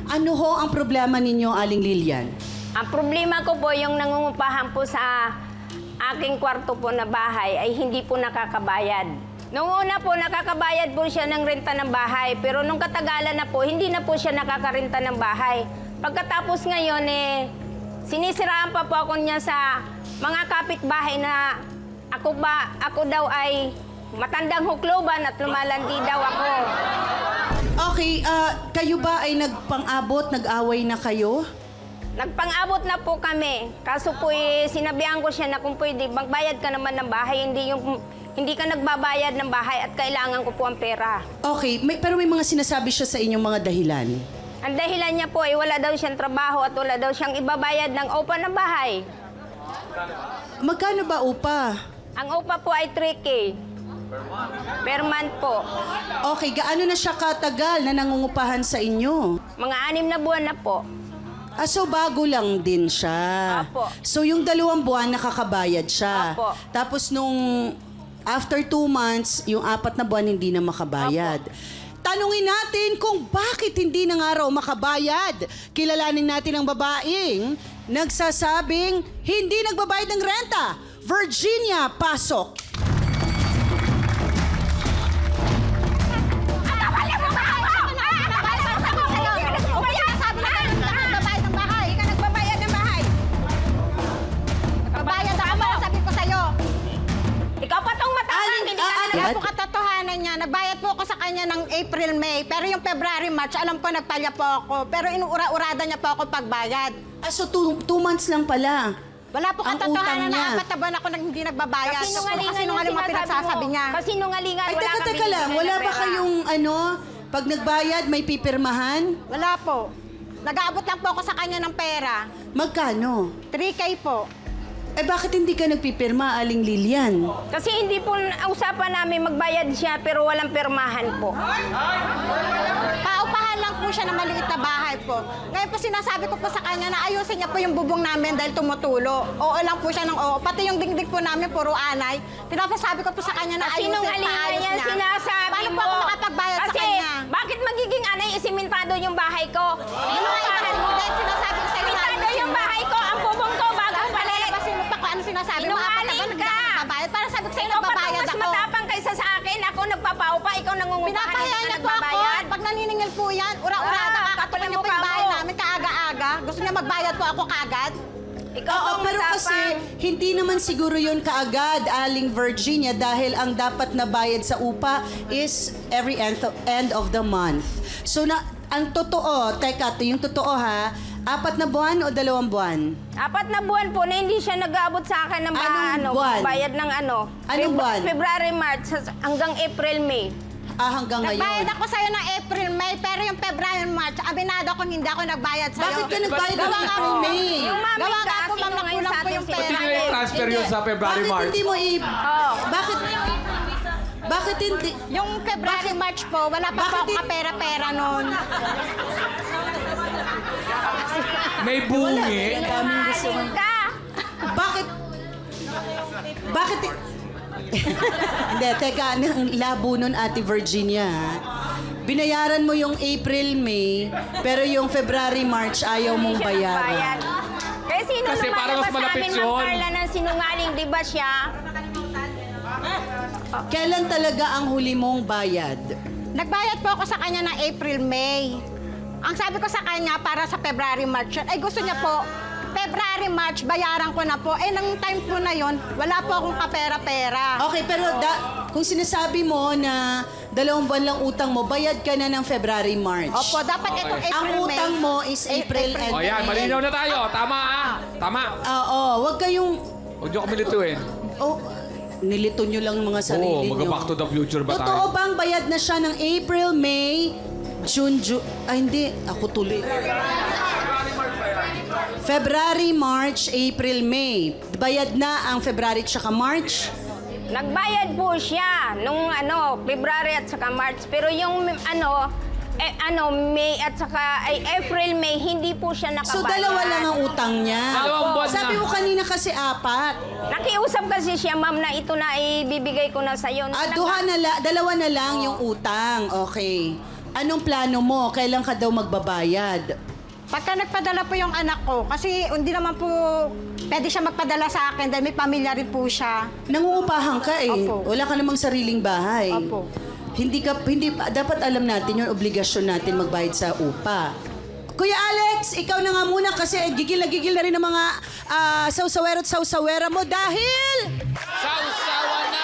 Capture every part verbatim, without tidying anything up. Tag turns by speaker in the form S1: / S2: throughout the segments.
S1: Ano ho ang problema ninyo, Aling Lilian?
S2: Ang problema ko po, yung nangungupahan po sa aking kwarto po na bahay ay hindi po nakakabayad. Noong una po, nakakabayad po siya ng renta ng bahay. Pero nung katagalan na po, hindi na po siya nakakarenta ng bahay. Pagkatapos ngayon, eh, sinisiraan pa po ako niya sa mga kapitbahay na ako ba, ako daw ay matandang hukloban at lumalandi daw ako.
S1: Okay, ah, kayo ba ay nagpang-abot, nag-away na kayo?
S2: Nagpang-abot na po kami. Kaso po eh, sinabihan ko siya na kung pwede, magbayad ka naman ng bahay, hindi yung hindi ka nagbabayad ng bahay at kailangan ko po ang pera.
S1: Okay, may, pero may mga sinasabi siya sa inyong mga dahilan.
S2: Ang dahilan niya po ay wala daw siyang trabaho at wala daw siyang ibabayad ng upa ng bahay.
S1: Magkano ba upa?
S2: Ang upa po ay three K. Per month po.
S1: Okay, gaano na siya katagal na nangungupahan sa inyo?
S2: Mga anim na buwan na po.
S1: Ah, so bago lang din siya.
S2: Apo.
S1: So yung dalawang buwan nakakabayad siya.
S2: Apo.
S1: Tapos nung after two months, yung apat na buwan hindi na makabayad. Tanungin natin kung bakit hindi na nga raw makabayad. Kilalanin natin ang babaeng nagsasabing hindi nagbabayad ng renta. Virginia, pasok.
S3: Kaya po katotohanan niya, nagbayad po ako sa kanya ng April, May. Pero yung February, March, alam ko nagpalya po ako. Pero inuura-urada niya po ako pagbayad.
S1: Ah, so two, two months lang pala.
S3: Wala po
S1: Ang utang
S3: katotohanan
S1: niya.
S3: na apat na buwan ako nang hindi nagbabayad.
S2: Kasi nungalingan
S3: Kasi
S2: yung
S3: nungaling mga
S2: sinasabi
S3: pinagsasabi
S2: mo.
S3: niya.
S2: Kasi nungalingan,
S1: Ay,
S2: wala
S1: teka,
S2: kang
S1: teka lang.
S2: binibigay
S1: Wala
S2: na
S1: ba
S2: pera.
S1: kayong ano, pag nagbayad may pipirmahan?
S3: Wala po. Nag-aabot lang po ako sa kanya ng pera.
S1: Magkano?
S3: three K po.
S1: Eh bakit hindi ka nagpipirma, Aling Lilian?
S2: Kasi hindi po usapan namin magbayad siya pero walang pirmahan po.
S3: Paupahan lang po siya ng maliit na bahay po. Ngayon po sinasabi ko po sa kanya na ayusin niya po yung bubong namin dahil tumutulo. Oo lang po siya ng oo. Pati yung dingding po namin, puro anay. Pinapasabi ko po sa kanya na ayusin,
S2: Sinungalingan
S3: paayos
S2: niya,
S3: niya.
S2: sinasabi
S3: Paano
S2: mo.
S3: po ako makapagbayad sa
S2: Kasi,
S3: kanya?
S2: bakit magiging anay isimentado yung bahay ko?
S3: Ano nga ibahan mo? Dahil sinasabi ko sa'yo na
S2: Simentado
S3: ayusin
S2: yung
S3: mo.
S2: bahay ko, ang bubong ko, bagong palit.
S3: Palabasin mo pa kung ano sinasabi mo. Apat na
S2: Sinungaling
S3: buwan, hindi
S2: ka.
S3: ako nagbabayad. Para sabi ko sa'yo,
S2: Ikaw pa
S3: nagbabayad
S2: mas
S3: ako.
S2: matapang kaysa sa akin. Ako nagpapaupa, ikaw nangungupahan,
S3: Pinapahiya
S2: hindi
S3: niya
S2: ka
S3: po ako.
S2: nagbabayad.
S3: Pag naniningil po yan, ura-urada,
S2: Ah,
S3: kakatuloy niya po
S2: kapal
S3: yung
S2: ang
S3: bahay
S2: mukha mo.
S3: namin kaaga-aga. Gusto niya magbayad po ako kaagad.
S2: Ikaw
S1: Oo,
S2: ang
S1: pero
S2: matapang.
S1: kasi hindi naman siguro yun kaagad, Aling Virginia, dahil ang dapat na bayad sa upa is every end of, end of the month. So, na, ang totoo, teka, to, yung totoo ha, apat na buwan o dalawang buwan?
S2: Apat na buwan po na hindi siya nag-aabot sa akin ng ba,
S1: Anong
S2: ano,
S1: buwan?
S2: bayad ng ano.
S1: Anong buwan?
S2: February, March, hanggang April, May.
S1: Ah, hanggang ngayon.
S3: Nagbayad ako sa'yo ng April, May, pero yung February, March, aminado akong hindi ako nagbayad sa'yo.
S1: Bakit ka nagbayad ng
S3: Gawa nga
S1: April,
S3: po.
S1: May?
S2: Yung mami
S3: Gawa
S2: ka,
S3: nga po,
S2: sino
S3: ma'am,
S2: ngayon
S3: nakulang
S2: sa
S3: po
S2: ating
S3: yung
S2: sila?
S3: pera.
S4: Pati nila yung transfer yun sa February,
S1: Bakit
S4: March.
S1: hindi mo i...
S2: Oo.
S1: Bakit... Bakit hindi...
S3: Yung February, March po, wala pa po
S1: Bakit
S3: ako
S1: di-
S3: kapera-pera noon.
S4: May bungi.
S2: Sinungaling ka.
S1: Bakit... Bakit... Hindi, teka, ang labo nun, Ate Virginia, ha? Binayaran mo yung April, May, pero yung February, March, ayaw mong
S2: Hindi siya nagbayad.
S1: bayaran.
S2: Kasi sino
S4: Kasi
S2: lumalabas
S4: parang mas
S2: sa
S4: malapit
S2: amin,
S4: yun.
S2: Ma'am Carla, ng sinungaling, di ba siya?
S1: Kailan talaga ang huli mong bayad?
S3: Nagbayad po ako sa kanya ng April, May. Ang sabi ko sa kanya, para sa February, March, yun, ay gusto niya po, February, March, bayaran ko na po. Eh, nang time po na yon, wala po akong kapera-pera.
S1: Okay, pero da, kung sinasabi mo na dalawang buwan lang utang mo, bayad ka na ng February, March.
S3: Opo, dapat itong April,
S1: Ang
S3: May.
S1: utang mo is April and
S4: O yan, malinaw na tayo. Tama ah. Tama.
S1: Oo, wag kayong...
S4: Huwag niyo kami lituin.
S1: Oh, nilito nyo lang mga sarili
S4: Oo,
S1: nyo.
S4: mag-back to the future ba
S1: Totoo
S4: tayo?
S1: bang bayad na siya ng April, May, June, June... Ay, hindi. Ako tuloy. February, March, April, May. Bayad na ang February at saka March?
S2: Nagbayad po siya nung ano, February at saka March. Pero yung ano, eh, ano, May at saka ay April, May, hindi po siya nakabayad.
S1: So, dalawa lang ang utang niya.
S4: Dalawang buwan
S1: Sabi
S4: na.
S1: mo kanina kasi apat.
S2: Nakiusap kasi siya, ma'am, na ito na ibibigay ko na sa'yo.
S1: Ah, duha na la, dalawa na lang yung utang. Okay. Anong plano mo? Kailan ka daw magbabayad?
S3: Pagka nagpadala po yung anak ko, kasi hindi naman po pwede siya magpadala sa akin dahil may pamilya rin po siya.
S1: Nangungupahan ka eh.
S3: Opo.
S1: Wala ka namang sariling bahay.
S3: Opo.
S1: Hindi ka, hindi, dapat alam natin yung obligasyon natin magbayad sa upa. Kuya Alex, ikaw na nga muna kasi gigil na gigil na rin ng mga uh, sausawero at sausawera mo dahil...
S4: Sausawa na!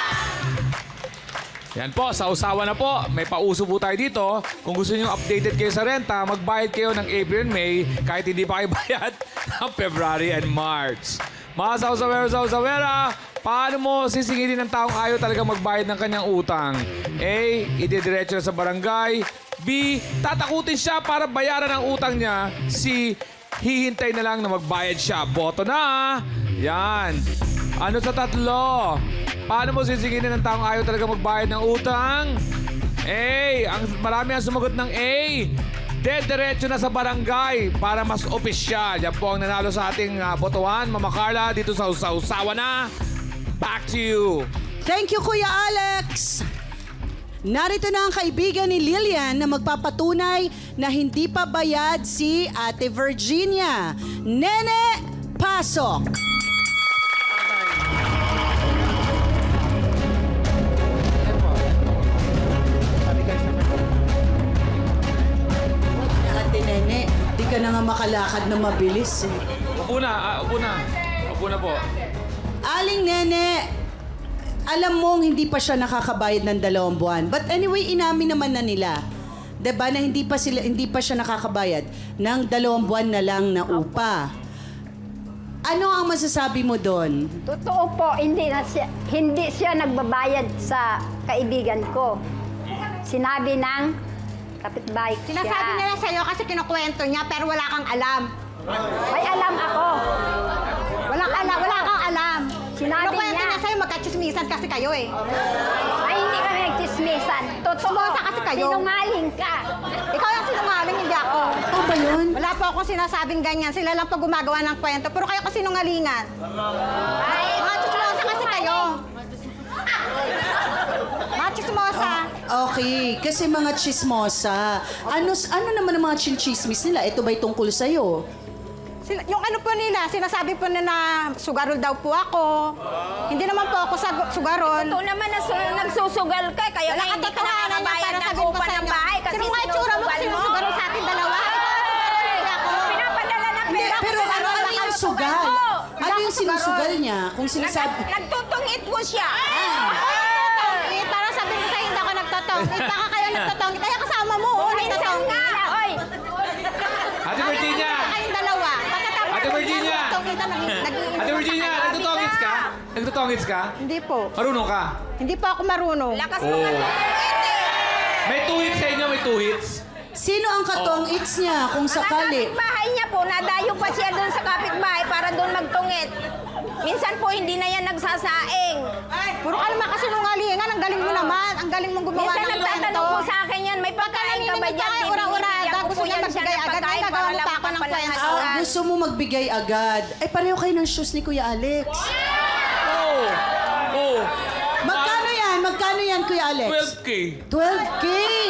S4: Yan po, sausawa na po. May pauso po tayo dito. Kung gusto niyo updated kayo sa renta, magbayad kayo ng April and May kahit hindi pa kayo bayad ng February and March. Mga sausawero, sausawera, paano mo sisingilin ng taong ayaw talaga magbayad ng kanyang utang? A. Idediretso na sa barangay. B. Tatakutin siya para bayaran ang utang niya. C. Hihintay na lang na magbayad siya. Boto na! Yan. Ano sa tatlo? Paano mo sisingilin ng taong ayaw talaga magbayad ng utang? A. Ang marami ang sumagot ng A. Dediretso na sa barangay para mas opisyal. Yan po ang nanalo sa ating uh, botohan. Mama Carla, dito sa Usaw-Usawa na. Back to you.
S1: Thank you, Kuya Alex! Narito na ang kaibigan ni Lilian na magpapatunay na hindi pa bayad si Ate Virginia. Nene, pasok! Ate Nene, di ka na nga makalakad na mabilis eh.
S4: Upo na, ah, upo na. Upo na po.
S1: Aling Nene, alam mong hindi pa siya nakakabayad ng dalawang buwan. But anyway, inamin naman na nila. 'Di ba na hindi pa sila hindi pa siya nakakabayad ng dalawang buwan na lang na upa. Ano ang masasabi mo doon?
S5: Totoo po, hindi na siya, hindi siya nagbabayad sa kaibigan ko. Sinabi ng kapitbahay ko siya.
S3: Sinasabi nila sa'yo kasi kinukwento niya pero wala kang alam.
S5: May alam ako.
S3: Wala kang alam, wala kang alam.
S5: Sinabi
S3: Kinukwento
S5: niya.
S3: niya sa'yo, magkachismisan kasi kayo eh.
S5: Ay, hindi kami nagchismisan. Totoo.
S3: Sumosa kasi kayo.
S5: Sinungaling ka.
S3: Ikaw yung sinungaling, hindi ako.
S1: Ano ba yun?
S3: Wala po akong sinasabing ganyan. Sila lang po gumagawa ng kwento. Pero kayo kasi sinungalingan.
S5: Ay,
S3: Mga chismosa kasi kayo. Mga chismosa.
S1: Okay, kasi mga chismosa. Ano ano naman ang mga chinchismis nila? Ito ba'y tungkol sa'yo?
S3: Sila, yung ano po nila, sinasabi po nila na sugarol daw po ako. Hindi naman po ako sag- sugarol.
S2: Ito naman na su- nagsusugal ka, kaya
S3: Wala
S2: nga hindi ka
S3: katotohanan yan
S2: nakakabayad
S3: para
S2: ng
S3: sabihin ko
S2: upa
S3: sa
S2: ng
S3: inyo.
S2: bahay kasi
S3: Sino nga itsura mo kasi
S2: sinusugal mo.
S3: sinusugarol sa ating dalawa? Hindi ako.
S2: Pinapadala ng
S1: Hindi,
S2: pera.
S1: pero ano, ano yung sugal? Ano yung sinusugal niya? Kung sinasabi...
S2: Nag- nagtutungit mo siya.
S3: Nagtotongit. Para sabihin ko sa'yo, hindi ako nagtotongit. Baka kayo nagtotongit. Kaya kasama mo, oo,
S2: Minsan
S3: nagtotongit.
S2: nga. Oy,
S4: Ate Virginia!
S3: Kayong dalawa. Pagkatapos
S4: Ate Virginia!
S3: nagtotongit na, nag- nag-
S4: Ate Virginia, nagtutongits ka? Nagtutongits ka?
S3: Hindi po.
S4: Marunong ka?
S3: Hindi po ako marunong.
S2: lakas mo
S4: Oo.
S2: nga.
S4: May two hits sa inyo, may two hits.
S1: Sino ang katong its niya kung
S2: Ang
S1: sakali?
S2: kapitbahay niya po, nadayo pa siya doon sa kapitbahay para doon magtungit. Minsan po, hindi na yan nagsasaing.
S3: Puro ka naman kasi nungalingan. Ang galing mo naman. Ang galing mong gumawa
S2: Minsan
S3: ng
S2: nagtatanong
S3: kwento.
S2: po sa akin yan, may pagkain ka ba
S3: Pagkain
S2: dyan?
S3: ka, ura-urada.
S2: Bibigyan ko
S3: Gusto
S2: po
S3: niya
S2: yan siya
S3: magbigay
S2: ng
S3: agad.
S2: pagkain
S3: Ay,
S2: para
S3: nagawa mo
S2: lang
S3: pa ako ng
S2: makapalan
S3: kwento.
S1: Ah, gusto mo magbigay agad. Ay, pareho kayo ng shoes ni Kuya Alex.
S4: Oh! Oh!
S1: Magkano yan? Magkano yan, Kuya Alex?
S4: twelve K.
S1: twelve K!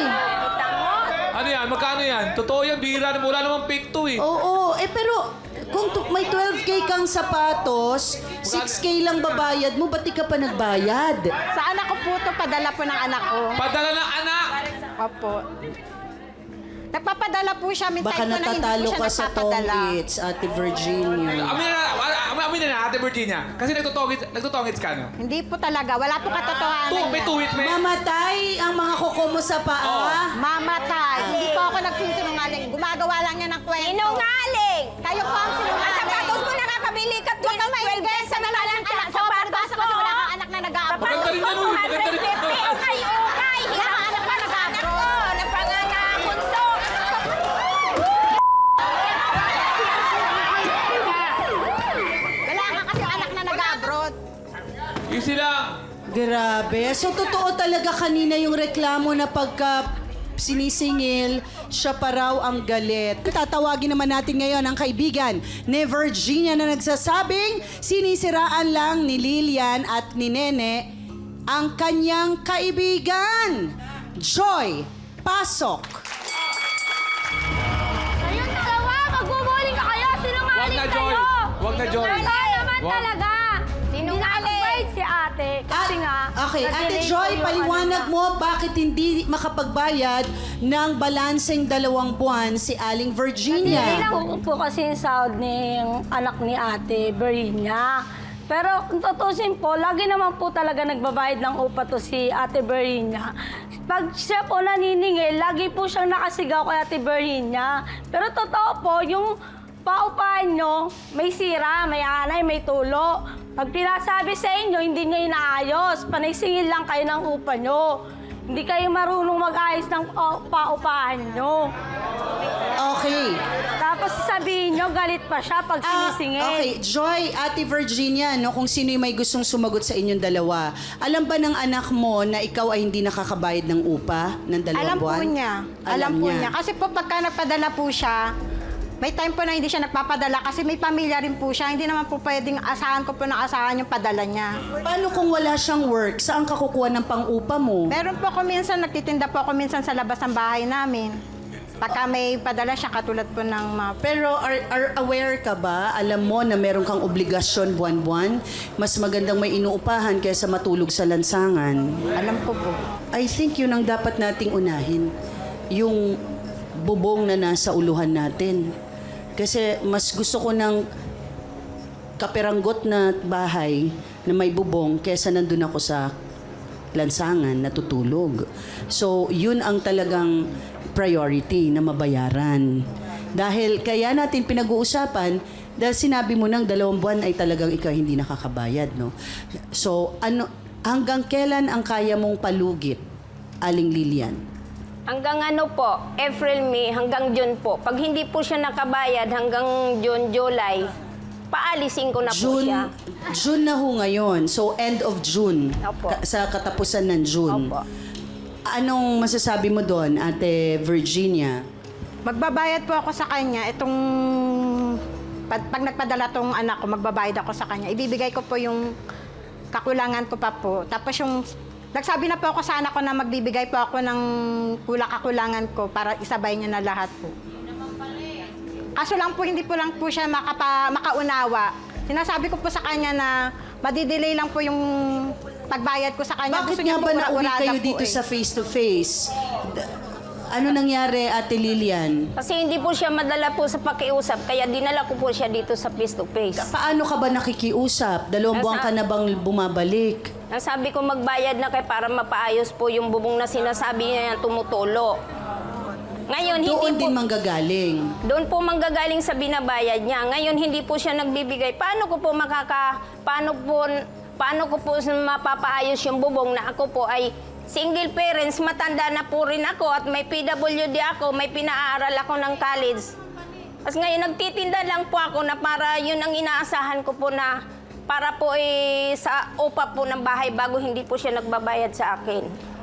S4: Ano yan? Magkano yan? Totoo yan, bihira na wala namang fake to eh.
S1: Oo, eh pero kung tu- may twelve K kang sapatos, six K lang babayad mo, ba't di ka pa nagbayad?
S3: Sa anak ko po ito, padala po ng anak ko.
S4: Padala ng anak!
S3: Opo. Nagpapadala po siya. May
S1: Baka
S3: time po na hindi po
S1: natatalo
S3: siya
S1: ka sa
S3: nagpapadala.
S1: tongits, Ate Virginia.
S4: Amin na, amin, amin na, Ate Virginia. Kasi nagtutongits, nagtutongits ka, no?
S3: Hindi po talaga. Wala po katotohanan
S4: Two, may
S3: yan.
S4: two hits, may...
S1: Mamatay ang mga kuko mo sa paa.
S3: Mamatay. Hindi po ako nagsisinungaling. Gumagawa lang niya ng kwento.
S2: Sinungaling!
S3: Kayo po ang
S2: Ang
S3: sinungaling.
S2: sapatos mo nakakabili ka
S3: Huwag kang maingay sa nalalang anak ko. Palibasa kasi wala kang anak na nag-aabot.
S4: Maganda rin yan, uy. Maganda rin.
S2: Okay, okay.
S3: Wala kang anak na nag-aabot.
S2: Napangangakunso.
S3: Wala ka kasi anak na nag-abroad.
S4: Easy lang.
S1: Grabe. So, totoo talaga kanina yung reklamo na pagka sinisingil, siya pa raw ang galit. Tatawagin naman natin ngayon ang kaibigan ni Virginia na nagsasabing sinisiraan lang ni Lilian at ni Nene ang kanyang kaibigan. Joy, Pasok!
S6: Kayong dalawa, magbubuling ka kayo. Sinungaling
S4: Wag na, Joy.
S6: kayo.
S4: Wag na, Joy.
S6: Wala naman
S4: Wag.
S6: talaga. Sinungaling si ate. Kasi
S1: At-
S6: nga,
S1: okay, Ate
S6: na-delay
S1: Joy,
S6: ko yung
S1: paliwanag
S6: ano
S1: mo bakit hindi makapagbayad ng balanseng dalawang buwan si Aling
S6: niya.
S1: Virginia.
S6: Hindi po kasi yung sahod ng anak ni ate, Berina. Pero kung tutusin po, lagi naman po talaga nagbabayad ng upa to si ate Berina. Pag siya po naniningil, lagi po siyang nakasigaw kay ate Berina. Pero totoo po, yung paupahan nyo, may sira, may anay, may tulo. Pag pinasabi sa inyo, hindi nyo inaayos. Panaysingil lang kayo ng upa nyo. Hindi kayo marunong mag-ayos ng pa- paupahan nyo.
S1: Okay.
S6: Tapos sabihin nyo, galit pa siya pag
S1: Ah,
S6: sinisingil.
S1: okay, Joy, Ate Virginia, no, kung sino yung may gustong sumagot sa inyong dalawa. Alam ba ng anak mo na ikaw ay hindi nakakabayad ng upa ng dalawang
S3: Alam
S1: buwan?
S3: po niya. Alam, po niya. Kasi po pagka nagpadala po siya, may time po na hindi siya nagpapadala kasi may pamilya rin po siya. Hindi naman po pwedeng asahan ko po na asahan yung padala niya.
S1: Paano kung wala siyang work? Saan ka kukuha ng pang-upa mo?
S3: Meron po ako minsan, nagtitinda po ako minsan sa labas ng bahay namin. Pagka may padala siya, katulad po ng mga...
S1: Pero are, are aware ka ba? Alam mo na meron kang obligasyon buwan-buwan? Mas magandang may inuupahan kaysa matulog sa lansangan.
S3: Alam ko po.
S1: I think yun ang dapat nating unahin. Yung bubong na nasa uluhan natin. Kasi mas gusto ko ng kaperanggot na bahay na may bubong kaysa nandun ako sa lansangan natutulog. So, yun ang talagang priority na mabayaran. Dahil kaya natin pinag-uusapan, dahil sinabi mo nang dalawang buwan ay talagang ikaw hindi nakakabayad, no? So, ano, hanggang kailan ang kaya mong palugit, Aling Lilian?
S2: Hanggang ano po, April, May, hanggang June po. Pag hindi po siya nakabayad hanggang June, July, paalisin ko na po
S1: June,
S2: siya.
S1: June na ho ngayon. So, end of June.
S2: Opo.
S1: Ka- sa katapusan ng June.
S2: Opo.
S1: Anong masasabi mo doon, Ate Virginia?
S3: Magbabayad po ako sa kanya. Itong... Pag, pag nagpadala tong anak ko, magbabayad ako sa kanya. Ibibigay ko po yung kakulangan ko pa po. Tapos yung... Nagsabi na po ako sa anak ko na magbibigay po ako ng kulang-kakulangan ko para isabay niya na lahat po. Kaso lang po, hindi po lang po siya makapa, makaunawa. Sinasabi ko po sa kanya na madidelay lang po yung pagbayad ko sa kanya.
S1: Bakit
S3: Gusto
S1: nga
S3: niya
S1: ba
S3: po
S1: nauwi
S3: ura-urada
S1: kayo
S3: po
S1: dito
S3: eh.
S1: sa face-to-face? D- Ano nangyari, Ate Lilian?
S2: Kasi hindi po siya madala po sa pakiusap, kaya dinala ko po siya dito sa face-to-face.
S1: Paano ka ba nakikiusap? Dalawang
S2: Nasa-
S1: buwan ka na bang bumabalik?
S2: Nasabi ko magbayad na kay para mapaayos po yung bubong na sinasabi niya yung tumutulo. Ngayon, hindi
S1: Doon
S2: po...
S1: din manggagaling.
S2: Doon po manggagaling sa binabayad niya. Ngayon, hindi po siya nagbibigay. Paano ko po makaka... Paano po... Paano ko po mapapaayos yung bubong na ako po ay single parents, matanda na po rin ako at may P W D ako, may pinaaral ako ng college. Tapos ngayon, nagtitinda lang po ako na para yun ang inaasahan ko po na para po eh, sa upa po ng bahay bago hindi po siya nagbabayad sa akin.